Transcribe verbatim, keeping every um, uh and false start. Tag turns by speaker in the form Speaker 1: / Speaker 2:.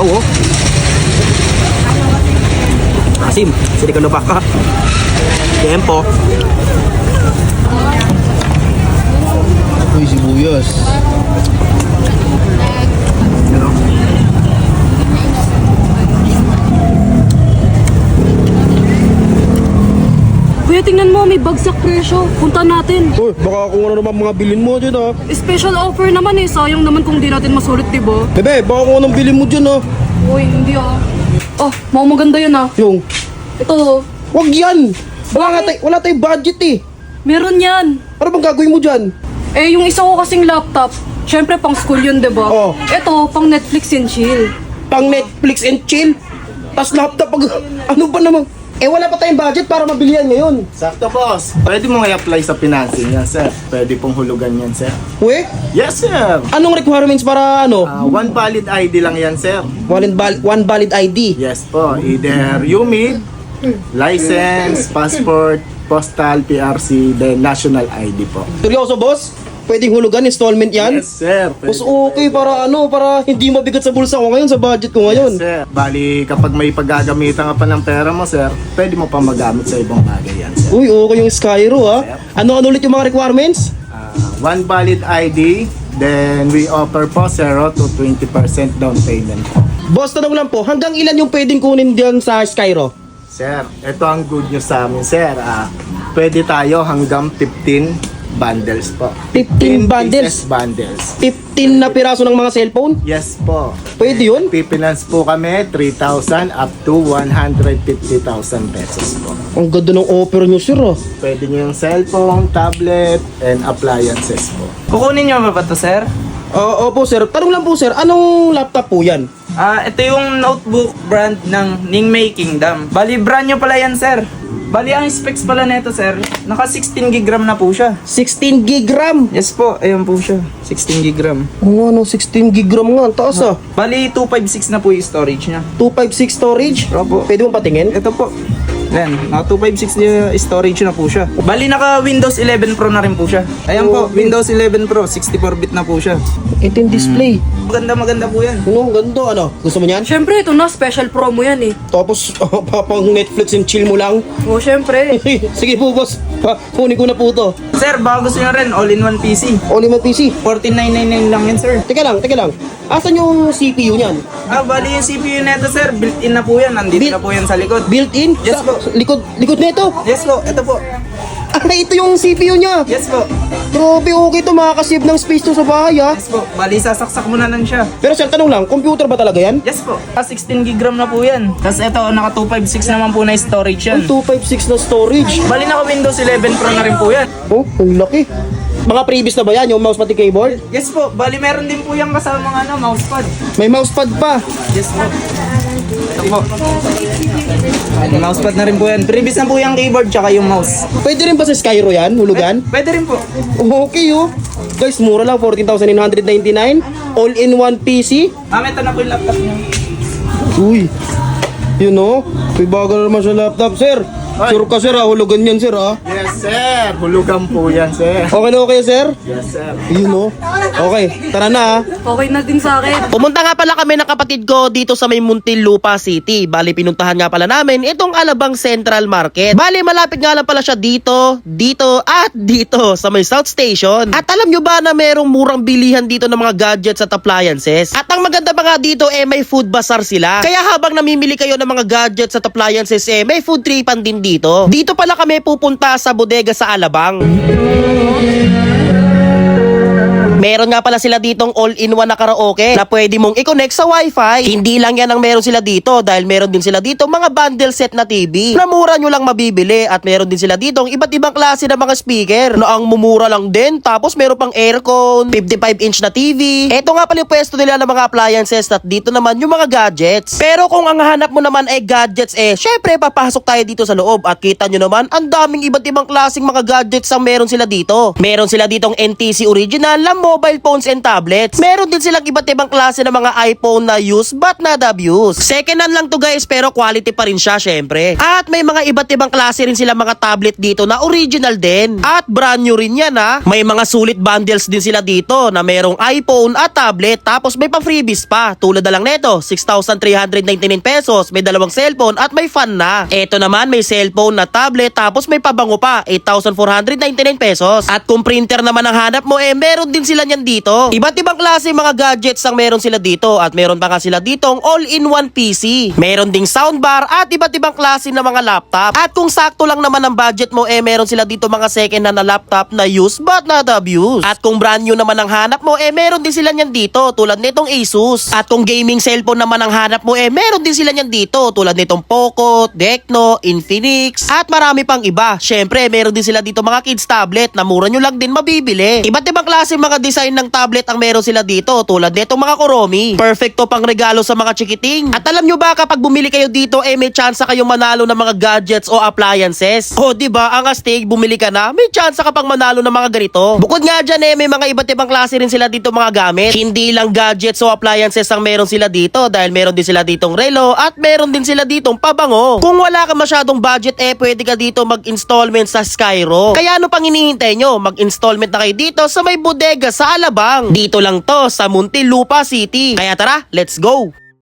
Speaker 1: sabaw oh. Asim, sili ka na baka. Tempo.
Speaker 2: Uy, sibuyas.
Speaker 1: Ano?
Speaker 3: Kuya, tingnan mo, may bagsak presyo. Punta natin.
Speaker 2: Uy, baka kung ano naman mga bilin mo dyan ah.
Speaker 3: Special offer naman eh. Sayang naman kung di natin masulit, diba?
Speaker 2: Bebe, baka kung anong bilin mo dyan ah.
Speaker 3: Uy, hindi ah. Oh, mga maganda yan ah.
Speaker 2: Yung,
Speaker 3: Ito,
Speaker 2: wag yan. Wala, nga tay- wala tayong budget eh.
Speaker 3: meron yan.
Speaker 2: Ano bang gagawin mo dyan?
Speaker 3: Eh, yung isa ko kasing laptop, syempre pang school yun, diba?
Speaker 2: Oh.
Speaker 3: Ito, pang Netflix and chill.
Speaker 2: Pang Netflix and chill. Tas laptop pag... Ano ba naman? Eh wala pa tayong budget para mabili yan ngayon.
Speaker 4: Sakto, boss. Pwede mo i-apply sa financing yan, sir. Pwede pong hulugan yan, sir.
Speaker 2: Uy,
Speaker 4: Yes, sir.
Speaker 2: anong requirements para ano?
Speaker 4: Ah, one valid I D lang yan, sir.
Speaker 2: One, val- one valid I D.
Speaker 4: Yes po. Either U M I D, license, passport, postal, P R C, then national I D po.
Speaker 2: Seryoso boss? Pwedeng hulugan, installment yan?
Speaker 4: Yes, sir.
Speaker 2: Mas
Speaker 4: Pwede.
Speaker 2: okay para ano, para hindi mabigat sa bulsa ko ngayon, sa budget ko ngayon.
Speaker 4: Yes, sir. Bali, kapag may paggagamitan ka pa ng pera mo, sir, pwede mo pa magamit sa ibang bagay yan, sir.
Speaker 2: Uy, okay yung Skyro ha. Ano-ano ulit yung mga requirements?
Speaker 4: Ah, one valid I D, then we offer po zero to twenty percent down payment po.
Speaker 2: Boss, tanong lang po, hanggang ilan yung pwedeng kunin diyan sa Skyro?
Speaker 4: Sir, ito ang good news sa amin, sir. Ah, pwede tayo hanggang fifteen bundles po.
Speaker 2: fifteen bundles?
Speaker 4: pieces bundles.
Speaker 2: fifteen na piraso ng mga cellphone?
Speaker 4: Yes po.
Speaker 2: Pwede yun?
Speaker 4: Pipinance po kami three thousand up to one hundred fifty thousand pesos po.
Speaker 2: Ang ganda ng offer nyo, sir ah.
Speaker 4: Pwede nyo yung cellphone, tablet, and appliances po.
Speaker 5: Kukunin nyo ba ba to, sir?
Speaker 2: Oo opo sir, tanong lang po sir, anong laptop po yan?
Speaker 5: Ah, ito yung notebook brand ng Ningmei Kingdom. Bali, brand nyo pala yan, sir. Bali, ang specs pala nito, sir, naka sixteen gig RAM na po siya.
Speaker 2: sixteen gig RAM!
Speaker 5: Yes po, ayun po siya. sixteen gig RAM.
Speaker 2: Oo ano, sixteen gig RAM nga, ang taas ah.
Speaker 5: Bali, two fifty-six na po yung storage niya.
Speaker 2: two fifty-six storage?
Speaker 5: Opo.
Speaker 2: Pwede mo patingin?
Speaker 5: Ito po. Yan, naka two fifty-six na storage na po siya. Bali, naka Windows eleven Pro na rin po siya. Ayan po, Windows eleven Pro, sixty-four bit na po siya.
Speaker 2: Ito yung display.
Speaker 5: Maganda maganda po yan.
Speaker 2: Ano, ganda ano? Gusto mo yan?
Speaker 3: Syempre, ito na, special promo yan eh.
Speaker 2: Tapos, oh, papang Netflix and chill mo lang.
Speaker 3: Oh, syempre.
Speaker 2: Sige po boss, pa, kunin ko na po to.
Speaker 5: Sir, baka gusto nyo rin, all-in-one P C.
Speaker 2: Only my P C.
Speaker 5: fourteen nine ninety-nine lang yan, sir.
Speaker 2: Teka lang, teka lang. Asan yung C P U niyan?
Speaker 5: Ah, bali yung C P U neto, sir, built-in na po yan. Nandito
Speaker 2: Built-
Speaker 5: na po yan sa likod.
Speaker 2: Built-in?
Speaker 5: Yes
Speaker 2: Sa-
Speaker 5: po.
Speaker 2: Likod, likod nito.
Speaker 5: Yes po, ito po.
Speaker 2: Ah, ito yung C P U niya.
Speaker 5: Yes po.
Speaker 2: Grabe, okay to, makakasave ng space to sa bahay ah.
Speaker 5: Yes po. Bali, sasaksak mo na lang siya.
Speaker 2: Pero sir, tanong lang, computer ba talaga yan?
Speaker 5: Yes po. Ah, sixteen gig RAM na po yan. Tapos ito, naka two fifty-six naman po na storage yan.
Speaker 2: two fifty-six na storage.
Speaker 5: Bali, naka Windows eleven Pro na rin po yan.
Speaker 2: Oh, ang laki. Mga previous na ba yan, yung mouse pati keyboard?
Speaker 5: Yes po. Bali, meron din po yung kasama ng ano, mousepad.
Speaker 2: May mousepad pa.
Speaker 5: Yes po. Ito po. Bali, mousepad na rin po yan. Previous na po yung keyboard tsaka yung mouse.
Speaker 2: Pwede rin ba sa Skyro yan, hulugan?
Speaker 5: Pwede rin po.
Speaker 2: Okay oh. Guys, mura lang, fourteen thousand nine hundred ninety-nine. All-in-one P C.
Speaker 5: Ma'am, ito na po yung laptop niyo.
Speaker 2: Uy, yun oh. May bago na naman sa laptop, sir. Sure ka sir ah, hulugan yan sir ah.
Speaker 4: Yes, sir. Hulugan po yan, sir.
Speaker 2: Okay na okay sir?
Speaker 4: Yes, sir.
Speaker 2: Yun oh. Okay, tara na ah.
Speaker 3: Okay na din sa akin.
Speaker 1: Pumunta nga pala kami ng kapatid ko dito sa may Muntinlupa City. Bali, pinuntahan nga pala namin itong Alabang Central Market. Bali, malapit nga lang pala siya dito, dito, at dito sa may South Station. At alam nyo ba na merong murang bilihan dito ng mga gadgets at appliances? At ang maganda pa nga dito, eh may food bazaar sila. Kaya habang namimili kayo ng mga gadgets at appliances, eh may food tripan din dito. Dito pala kami pupunta sa bodega sa Alabang. Meron nga pala sila ditong all-in-one na karaoke na pwede mong i-connect sa wifi. Hindi lang yan ang meron sila dito dahil meron din sila dito mga bundle set na T V na mura nyo lang mabibili at meron din sila ditong iba't ibang klase ng mga speaker na ang mumura lang din. Tapos meron pang aircon, fifty-five inch na T V. Ito nga pala yung pwesto nila ng mga appliances at dito naman yung mga gadgets. Pero kung ang hanap mo naman ay gadgets eh, syempre papasok tayo dito sa loob at kita nyo naman ang daming iba't ibang klaseng mga gadgets ang meron sila dito. Meron sila ditong N T C original na mobile mobile phones and tablets. Meron din silang iba't ibang klase ng mga iPhone na use but not abuse. Second hand lang to guys, pero quality pa rin siya syempre. At may mga iba't ibang klase rin sila mga tablet dito na original din. At brand new rin yan ha. May mga sulit bundles din sila dito na merong iPhone at tablet, tapos may pa freebies pa. Tulad na lang neto, six thousand three hundred ninety-nine pesos, may dalawang cellphone at may fan na. Eto naman may cellphone na tablet, tapos may pabango pa, eight thousand four hundred ninety-nine pesos. At kung printer naman ang hanap mo, eh meron din sila niyan dito. Iba't ibang klase mga gadgets ang meron sila dito, at meron pa nga sila ditong all-in-one P C. Meron ding soundbar at iba't ibang klase ng mga laptop. At kung sakto lang naman ang budget mo, eh meron sila dito mga second hand na laptop na use but not abuse. At kung brand new naman ang hanap mo, eh meron din sila niyan dito tulad nitong Asus. At kung gaming cellphone naman ang hanap mo, eh meron din sila niyan dito tulad nitong Poco, Tecno, Infinix at marami pang iba. Syempre meron din sila dito mga kids tablet na mura nyo lang din mabibili. Iba't ibang klase mga design ng tablet ang meron sila dito tulad nitong mga Kuromi. Perfecto pang regalo sa mga chikiting. At alam nyo ba, kapag bumili kayo dito, eh may chance kayong manalo ng mga gadgets o appliances. O diba, ang astig, bumili ka na, may chance ka pang manalo ng mga ganito. Bukod nga dyan eh, may mga iba't ibang klase rin sila dito mga gamit. Hindi lang gadgets o appliances ang meron sila dito, dahil meron din sila ditong relo at meron din sila ditong pabango. Kung wala ka masyadong budget, eh pwede ka dito mag-installment sa Skyro. Kaya ano pang hinihintay nyo? Mag-installment na kayo dito sa may bodega sa Alabang. Dito lang to sa Muntinlupa City. Kaya tara, let's go!